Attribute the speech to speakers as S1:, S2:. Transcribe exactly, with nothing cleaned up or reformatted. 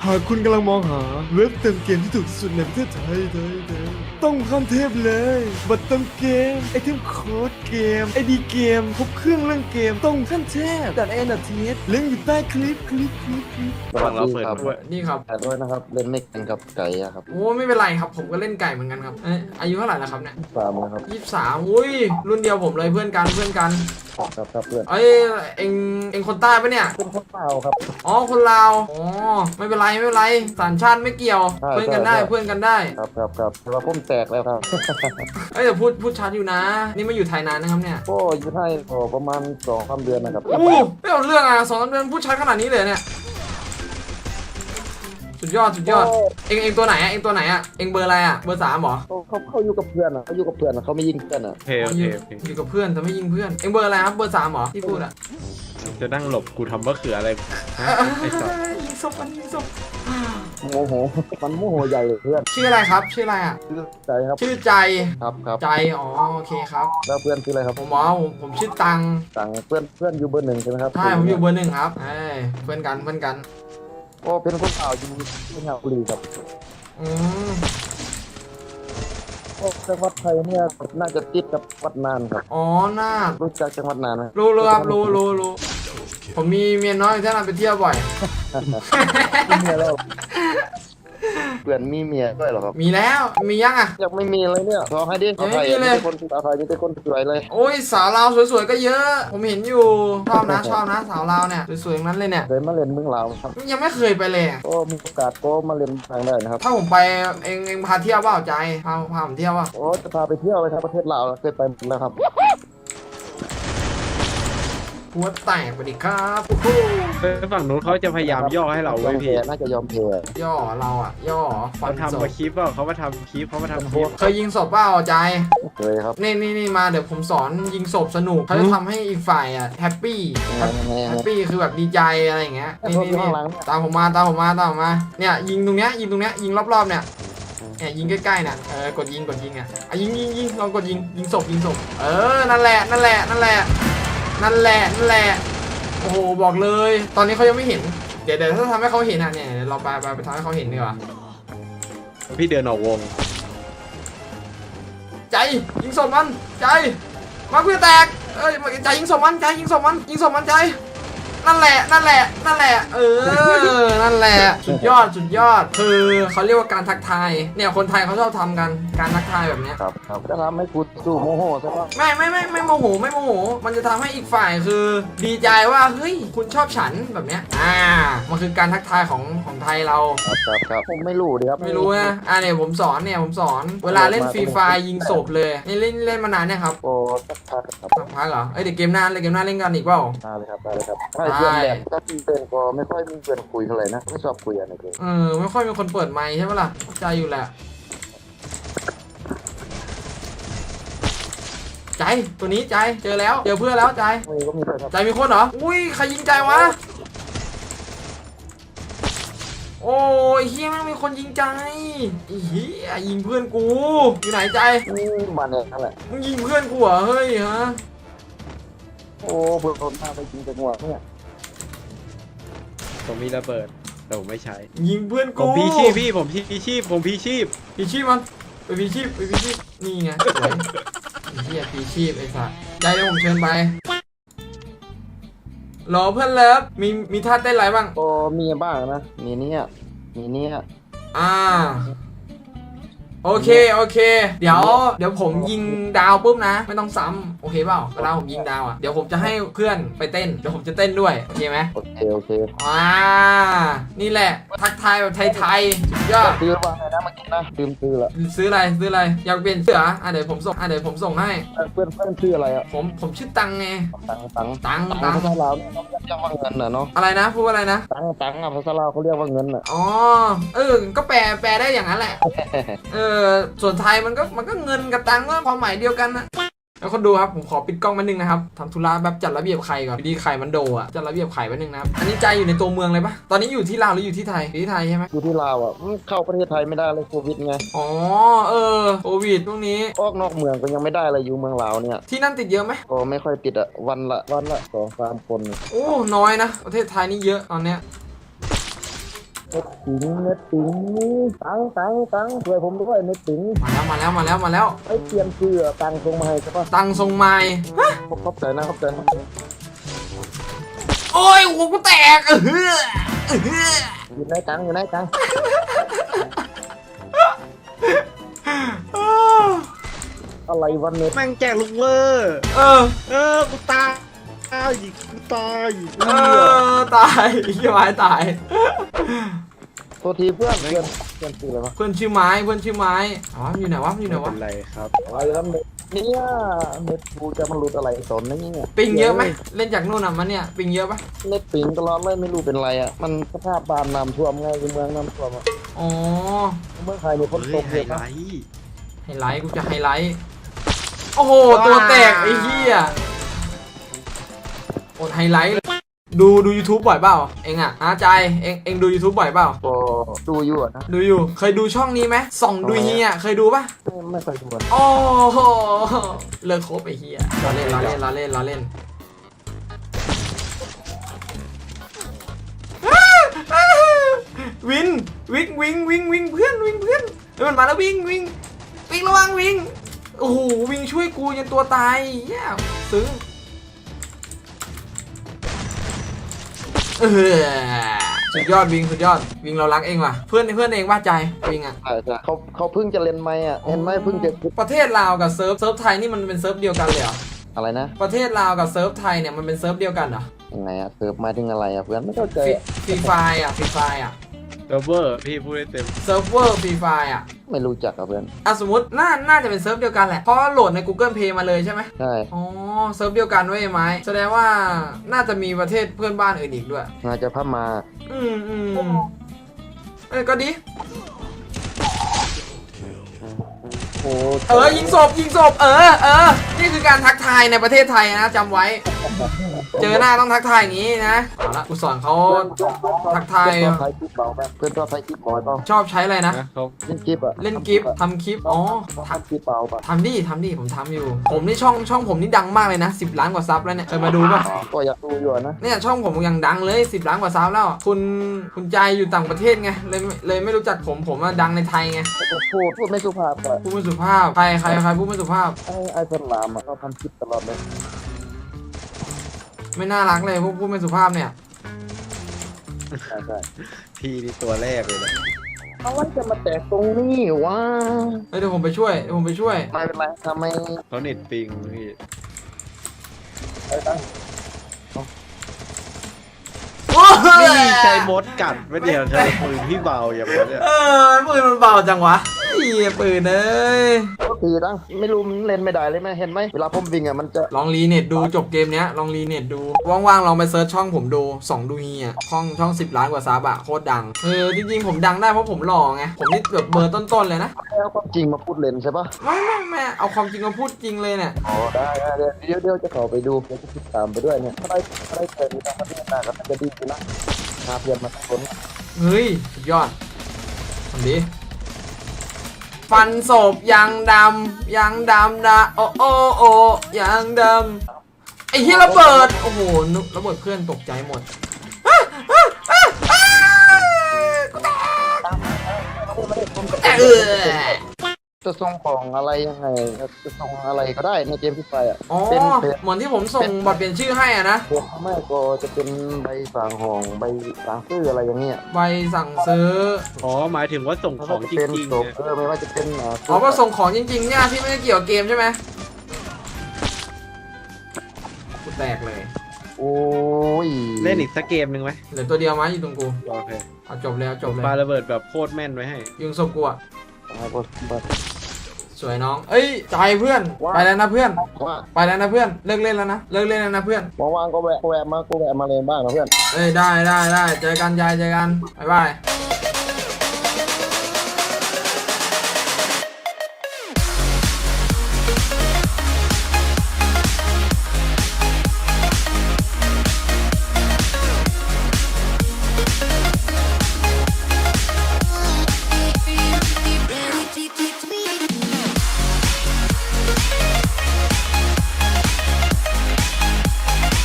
S1: หากคุณกำลังมองหาเว็บเติมเกมที่ถูกที่สุดในประเทศไทยไทยไทยต้องข้ามเทพเลยบัตรเติมเกมไอเทมโค้ดเกมไอดีเกมครบเครื่องเรื่องเกมต้องขั้นเทพดัดเอ็นดัดทีเอสลิงก์อยู่ใต้คลิปคลิปคลิปคลิป
S2: สวัสดีครับ
S3: นี่ครับ
S2: แต่ด้วยนะครับเล่นไม่เก่งกับไก่อะครับ
S3: โอ้ไม่เป็นไรครับผมก็เล่นไก่เหมือนกันครับเอ้ยอายุเท่าไหร่แล้วครับเนี่ย
S2: สามนะครับ
S3: ยี่สิบสามอุ้ยรุ่นเดียวผมเลยเพื่อนกันเพื่อนกัน
S2: ครับครับเพื่อน
S3: เอ้ยเอ็งเอ็งคนใต้ปะเนี่ย
S2: เป็นคนเปล่าครับ
S3: อ๋อคนลาวอ๋อไม่เป็นไรไม่เป็นไรสัญชาติไม่เกี่ยว
S2: ใช่
S3: เพื่อนกันได้
S2: ใช่
S3: เพื่อนกันได้
S2: ครับครับครับแต่ว่าผมแตกแล้วครับ
S3: เอ้ยแต่พูดพูดชัดอยู่นะ นี่มาอยู่ไทยนานนะครับเนี่ย
S2: ก็อยู่ไทยก็ประมาณสองสามเดือนนะครับ
S3: อู้ไม่เอาเรื่องอ่ะสองสามเดือนพูดชัดขนาดนี้เลยเนี่ยสุดยอดสุดยอดเอ็งเอ็งตัวไหนอ่ะเอ็งตัวไหนอ่ะเอ็งเบอร์อะไรอ่ะเบอร์สามเหรอ
S2: เขาเขาเขาอยู่กับเพื่อนอะเขาอยู่กับเพื่อนอะเขาไม่ยิงเพื่อนอะ
S4: โอเคโอเคโอเค
S3: อยู่กับเพื่อนแต่ไม่ยิงเพื่อนเอ็งเบอร์อะไรครับเบอร์สามเหรอที่พูดอ่ะ
S4: จะนั่งหลบกูทำว่าคืออะไรฮะไอ้สัส
S3: ยิงศพมันยิงศพ
S2: โมโหมันโมโหใหญ่เลยเพื่อน
S3: ชื่ออะไรครับชื่ออะไรอ่ะ
S2: ชื่อใจครับ
S3: ชื่อใจ
S2: ครับครับ
S3: ใจอ๋อโอเคครับ
S2: แล้วเพื่อนชื่ออะไรครับ
S3: ผมหมอผมผมชื่อตัง
S2: สั่งเพื่อนเพื่อนอยู่เบอร์หนึ่งใช่ไหมครับ
S3: ใช่ผมอยู่เบอร์หนึ่งครับเอ้ยเพื่อนกันเพื่อนกัน
S2: ก็เป็นคนเปล่าอยู่ที่งาบุรีครับ
S3: อืม
S2: ก็จังหวัดไทยเนี่ยน่าจะติดกับวัดนานครับ
S3: อ๋อน่า
S2: รู้จักจังหวัดนานไหม
S3: รู้รู้ครับรู้รู้รู้ผมมีเมียน้อยที่นั่นไปเที่ยวบ่อย
S2: มีเมียแล้วเพื่อนมีเมียด้วยเหรอครับ
S3: มีแล้วมียังอ่ะ
S2: ยังไม่มีเลยเนี่ยขอให้ดิ
S3: ยังไม่มีเลย
S2: คนสาวไทยนี่เป็นคนสวยเลย
S3: โอ้ยสาวลาวสวยๆก็เยอะ ผมเห็นอยู่ชอบนะชอบนะสาวลาวเนี่ยสวยๆทั้งนั้นเลยเนี่ย
S2: เคยมาเล่นเมืองลาวครับ
S3: ยังไม่เคยไปเลยอะ
S2: ก็มีโอกาสก็มาเล่นทางได้นะครับ
S3: ถ้าผมไปเองเองพาเที่ยวเปล่าใจพาพาผมเที่ยวเปล่า
S2: โอ้จะพาไปเที่ยวไปครับประเทศลาวเคยไปหมดแล้วครับ
S3: หัวแตกไปดิครับโอ้โห
S4: เออฝั่งนู้นเขาจะพยายามย่อให้เรา
S2: ย
S4: ไว้
S2: อม
S4: พี่
S2: แพ้น่าจะยอมแพ้
S3: ย่อเราอ่ะ ย่อฟั
S4: เขา
S3: นศ
S4: ทำ
S3: พ
S4: มาคลิปเปล่าเขามาทำคลิปเขามาทำคลิป
S3: เคยยิงศพเปล่าใจ
S2: เคยครับ
S3: นี่นี่นี่มาเดี๋ยวผมสอนยิงศพสนุกเขาจะทำให้อีกฝ่ายอ่ะแฮปปี้
S2: ยังไงยังไงยัง
S3: แฮ
S2: ไง
S3: ปปี้คือแบบดีใจอะไรอย่างเงี้ยนี่นี่
S2: อยู่
S3: นี่
S2: ข้างหลังเนี่ย
S3: ตามผมมาตามผมมาตามผมมาเนี่ยยิงตรงเนี้ยยิงตรงเนี้ยยิงรอบๆเนี่ยเนี่ยยิงใกล้ๆเนี่ยเออกดยิงกดยิงอ่ะอ่ะยิงยิงยิงลองกดยิงยิงศพยิงศพเออนั่นแหละนั่นแหละนั่นแหละนั่นแหละนั่นแหละโอ้โหบอกเลย ตอนนี้เขายังไม่เห็นเดี๋ยวเดี๋ยวถ้าทำให้เขาเห็นอ่ะเนี่ยเดี๋ยวเราไปไปไปทำให้เขาเห็นดีกว่า
S4: พี่เดินออกวง
S3: ใจยิงศพมันใจมาเพื่อแตกเอ้ยใจยิงศพมันใจยิงศพมันยิงศพมันใจนั่นแหละนั่นแหละนั่นแหละเออนั่นแหละสุดยอดสุดยอดคือเขาเรียกว่าการทักทายเนี่ยคนไทยเขาชอบทำกันการทักทายแบบเนี้ย
S2: ครับครับจะทำให้กูสู้โมโหใช่ปะ
S3: ไม่ไม่ไม่ไม่โมโหไม่โมโหมันจะทำให้อีกฝ่ายคือดีใจว่าเฮ้ยคุณชอบฉันแบบเนี้ยอ่ามันคือการทักทายของของไทยเรา
S2: ครับครับครับผมไม่รู้ดิครับ
S3: ไม่รู้นะอ่าเนี่ยผมสอนเนี่ยผมสอนเวลาเล่นฟรีไฟยิงศพเลยนี่เล่นเล่นมานานเนี่ยครับ
S2: โอ้สักพักครับ
S3: สักพักเหรอเอ้ยเดี๋ยวเกมหน้าเลยเกมหน้าเล่นกันอีกเปล่า
S2: ได้เลยครับได้เลยครับให้เพื่อนแหละถ้าเพื่อนก็ไม่ค่อยมีเพื่อนคุยเท่าไหร่นะไม่ชอบคุยอะไรเลย
S3: เออไม่ค่อยมีคนเปิดไมค์ใช่ไหมล่ะเข้าใจอยู่แหละใจตัวนี้ใจเจอแล้วเจอเพื่อนแล้วใจ
S2: ไม่ก็มีเพื่อนครับ
S3: ใจมีคนเหรออุ้ยใครยิงใจวะโอ้ยเฮียแม่งมีคนยิงใจไอ้เฮียยิงเพื่อนกูอยู่ไหนใจ
S2: นี่มาเนี่ยนั่นแหละ
S3: มึงยิงเพื่อนกูเหรอเฮ้ยฮะ
S2: โอ้เพื่อนคนพาไปกินจังหวะเนี่ย
S4: ผมมีระเบิดแต่ผมไม่ใช้
S3: ยิงเพื่อน
S4: ผ
S3: กู
S4: มพีชีพพี่ผมพีชีพผมพีชีพ
S3: พีชีพมันไปพีชีพไปพีชีพนี่ไงสวยไอ้เฮียพีชีพไอ้สัสใจเดี๋ยวผมเชิญไปรอเพื่อนเลิฟมีมีท่าเต้นอะไรบ้าง
S2: ก็มีบ้างนะมีเนี่ยมีเนี่ย
S3: อ่าโอเคโอเค เดี๋ยวเดี๋ยวผมยิงดาวปุ๊บนะ ไม่ต้องซ้ำโอเคเปล่าเวลาผมยิงดาวอ่ะเดี๋ยวผมจะให้เพื่อนไปเต้นเดี๋ยวผมจะเต้นด้วยโอเคไหม
S2: โอเคโอเค
S3: อ่านี่แหละทักทายแบบไทยๆสุดยอด
S2: ซื้อว่าไงนะเมื่อกี้นะลืมซื้อละ
S3: ซื้ออะไรซื้ออะไรอยากเปลี่ยนเสื้ออ่ะเดี๋ยวผมส่งอ่ะเดี๋ยวผมส่งให้
S2: เพื่อนเพื่อนชื่ออะไรอ่ะ
S3: ผมผมชื่อตังไง
S2: ตังตัง
S3: ตัง
S2: ตั
S3: ตั
S2: ง
S3: ง
S2: ภาษาลาวเนี่ยเขาเรียกว่าเงินน่ะเนาะ
S3: อะไรนะพูดว่าอะไรนะ
S2: ตังตังอ่ะภาษาลาวเขาเรียกว่าเงินน่ะ
S3: อ๋อเออก็แปลแปลได้อย่างนั้นแหละเออส่วนไทยมันก็มันก็เงินกับตังก็ความหมายเดียวกันนะแล้วคนดูครับผมขอปิดกล้องมาหนึ่งนะครับทำธุระแบบจัดระเบียบไข่ก่อนดีไข่มันโดอ่ะจัดระเบียบไข่มาหนึ่งนะครับอันนี้ใจอยู่ในตัวเมืองเลยปะตอนนี้อยู่ที่ลาวหรืออยู่ที่ไทยอยู่ที่ไทยใช่ไหม
S2: อยู่ที่ลาวอ่ะอืมเข้าประเทศไทยไม่ได้เลยโควิดไง
S3: อ๋อเออโควิดช่วงนี้
S2: ออกนอกเมืองก็ยังไม่ได้เลยอยู่เมืองลาวเนี่ย
S3: ที่นั่นติดเยอะไหม
S2: ก็ไม่ค่อยติดอ่ะวันละวันละสองสามคน
S3: โอ้น้อยนะประเทศไทยนี่เยอะตอนเนี้ย
S2: เน็ตติ๋งเน็ตติ๋งตังตังตังช่วยผมด้วยเน็ตติ๋ง
S3: มาแล้วมาแล้วมาแล้วมาแล้ว
S2: ไอ้เตรียมชื่อตังตรงมาให้ใช่ปะ
S3: ตังทรงไม้
S2: ขอบขอบใจนะขอบใจนะ
S3: โอ้ยหัวกูแตกเออเฮ้อเออเฮ้อ
S2: อยู่ไหนตังอยู่ไหนตังอะไรวันเน็ต
S4: แม่งแจกลูกเวอร์
S3: เออ
S4: เออกูตายอีกกูตายอีก
S3: เออตายเฮียไม้ตาย
S2: โทษทีเพื่อนเพื่อนเพื่อนชื่ออะไรวะ
S3: เพื่อนชื่อไม้เพื่อนชื่อไม้อ๋ออยู่ไหนวะอยู่ไหน
S4: ไม่
S3: วะ
S4: เป็นไรครับ
S2: อะไรแล้วเน็ตเนี่ยเน็ตกูจะมันหลุดอะไรสนนะเนี่ย
S3: ปิงเยอะไหมเล่นจากนู่นน่ะมันเนี่ยปิงเยอะปะ
S2: เน็ตปิงตลอดเลยไม่รู้เป็นไรอ่ะมันสภาพบ้านน้ำท่วมไงคือเมืองน้ำท่วมอ่ะ
S3: อ๋อ
S2: เมืองไทยมีฝนต
S4: เฮ้ย
S2: ก
S4: ไฮ
S2: เยอะ
S4: ไล
S2: นะ
S4: ท์
S3: ไฮไลท์กูจะไฮไลท์โอ้โหตัวแตกไอ้เหี้ยอดไฮไลท์เลยดูดู YouTube บ่อยเปล่าเองอ่ะอาใจเองเองดู YouTube บ่อยเปล่า
S2: ก็ดูอยู่อะนะ
S3: ดูอยู่เคยดูช่องนี้ไหมส่องดูเฮียเคยดูปะ
S2: ไม่ไม่เคยดูอะ
S3: โอ้โหเลิกคบไอ้เฮียเราเล่นเราเล่นเราเล่นเราเล่นวินวิ่งวิ่งวิ่งวิ่งเพื่อนวิ่งเพื่อนเฮ้ยมันมาแล้ววิ่งวิ่งวิ่งระวังวิ่งโอ้โหวิ่งช่วยกูจนตัวตายเฮียซึ้งเออสุดยอดวิงสุดยอดวิงเรารักเองว่ะเพื่อนเพื่อนเองว่าใจวิงอ่ะ
S2: ใช่ใช่เขาเขาเพิ่งจะเล่นไหมอ่ะเห็นไหมเพิ่งจะ
S3: ประเทศลาวกับเซิร์ฟเซิร์ฟไทยนี่มันเป็นเซิร์ฟเดียวกันเลยเหรอ
S2: อะไรนะ
S3: ประเทศลาวกับเซิร์ฟไทยเนี่ยมันเป็นเซิร์ฟเดียวกันเหรอ
S2: ยังไงอ่ะเสิร์ฟมาถึงอะไรอ่ะเพื่อนไม่เข้าใจ
S3: ฟรีไฟอ่ะฟรีไฟอ่ะ
S4: เซิร์ฟเวอร์พี่พูดได้เต็ม
S3: เซิร์ฟเวอร์ฟรีไฟอ่ะ
S2: ไม่รู้จักอ่ะเพื่อน
S3: อ่ะสมมติน่าน่าจะเป็นเซิร์ฟเดียวกันแหละเพราะว่าโหลดใน Google Play มาเลยใช่ไหม
S2: ใช่
S3: อ๋อเซิร์ฟเดียวกันเว้ยไม้แสดงว่าน่าจะมีประเทศเพื่อนบ้านอื่นอีกด้วย
S2: น่าจะพม่า
S3: อืมอืมเออก็ดี
S2: โอ้
S3: เออยิงศพยิงศพเออเออนี่คือการทักทายในประเทศไทยนะจำไว้ เจอหน้าต้องทักทายอย่างนี้นะเอาละกูสอนเขาทักทาย
S2: เพื่อนชอบไทยกิ๊บเบาไหมเพื่อนชอบไทยกิ๊บบ่อยเปล่า
S3: ชอบใช้อะไรนะ
S4: นะเขา
S2: เล่นกิ๊บอ่ะ
S3: เล่นกิฟต์ทำคลิปอ๋อ
S2: ทำกิ๊บเบาป่ะ
S3: ทำดิทำดิผมทำอยู่ ผมนี่ช่องช่องผมนี่ดังมากเลยนะสิบล้านกว่าซับแล้วเนี่ยเคยมาดูป่ะ
S2: ก็อยากดูอยู่อะนะ
S3: เนี่ยช่องผมยังดังเลยสิบล้านกว่าซับแล้ว คุณคุณใจอยู่ต่างประเทศไงเลยเลยไม่รู้จักผมผมอะดังในไทยไง
S2: พูดพูดไม่สุภาพอ่ะ
S3: พูดไม่สุภาพใครใครใครพูดไม่สุภาพ
S2: ไอ้ไอ้สลามอ่ะเขาทำคลิปตลอดเลย
S3: ไม่น่ารักเลยพวกพูดไม่สุภาพเนี่ย
S2: ใช่ใช่
S4: พี่นี่ตัวแรกเลยนะ
S2: เอาไว้จะมาแตกตรงนี้วะ
S3: เฮ้ยเดี๋ยวผมไปช่วยเดี๋ยวผมไปช่วย
S2: ไม่เป็นไรทำไม
S4: เขาเน็ตปิงพี่
S2: ไอ้ตั้ง
S4: นี่ใช้มดกัดไม่เดียวใช้ปืนพี่เบาอย่างนี้เนี่ย
S3: เออปืนมันเบาจังวะเฮียปืนเอ้ย
S2: ก็คือตั้งไม่รู้มันเล่นไม่ได้เลยไหมเห็นไหมเวลาผมวิ่งอ่ะมันจะ
S3: ลองรีเน็ตดูจบเกมเนี้ยลองรีเน็ตดูว่างๆลองไปเซิร์ชช่องผมดูสองดูเฮียช่องช่องสิบล้านกว่าซับอะโคตรดังเออจริงๆผมดังได้เพราะผมหล่อไงผมนี่แบบเบอร์ต้นๆเลยนะ
S2: เอาความจริงมาพูดเล่นใช่ปะ
S3: ไม่ไม่ไม่เอาความจริงมาพูดจริงเลยเนี่ย
S2: อ๋อได้ได้เดี๋ยวเดี๋ยวจะขอไปดูเดี๋ยวจะติดตามไปด้วยเนี่ยถ้าได้ถ้าได้เจอมีทางประเทศหน้าก็จะดีขึ้นนะพาเพื่อนมาทุกคน
S3: เฮ้ยสุดยอดทำดีฟันศพยังดำยังดำนะโอโอโอยังดำไอ้เฮียระเบิดโอ้โหนึกระเบิดเพื่อนตกใจหมดอ้าอ้าอ้าอ้ากูแตกแต่เออ
S2: จะส่งของอะไรยังไงจะส่งอะไรก็ได้ในเกมที่ไปอ่ะ
S3: อ๋อ
S2: เป็นเพจ
S3: เหมือนที่ผมส่งบัตรเปลี่ยนชื่อให้อะนะ
S2: พวกไม่ก็จะเป็นใบสั่งของใบสั่งซื้ออะไรอย่างเงี้ย
S3: ใบสั่งซื้อ
S4: อ๋อหมายถึงว่าส่งของจ
S2: เป็น
S4: ริง
S2: ศ
S4: ๆ
S2: พ
S4: เนี่ย
S2: เออไม่ว่าจะเป็นอ่า
S3: อ๋อว่าส่งของจริงๆเนี่ยที่ไม่ได้เกี่ยวกับเกมใช่ไหมกูแตกเลย
S2: โอ้ย
S4: เล่นอีกสักเกมหนึ่งไหม
S3: เหลือตัวเดียวมั้ยอยู่ตรงกู
S4: โอเค
S3: เอาจบเลยเอาจบเลย
S4: ปาระเบิดแบบโคตรแม่นไว้ให้
S3: ยิงศพกูอะ
S2: อ่าก็บัด
S3: สวยน้อง เอ้ยใจเพื่อน ไปแล้วนะเพื่อน
S2: ว่า
S3: ไปแล้วนะเพื่อน เลิกเล่นแล้วนะ เลิกเล่นแล้วนะเพื่อน
S2: ว่างๆก็แวะก็แวะมาก็แวะมาเล่นบ้างนะเพื่อน
S3: เอ้ยได้ได้ได้เจอกันยายเจอกัน บ๊ายบาย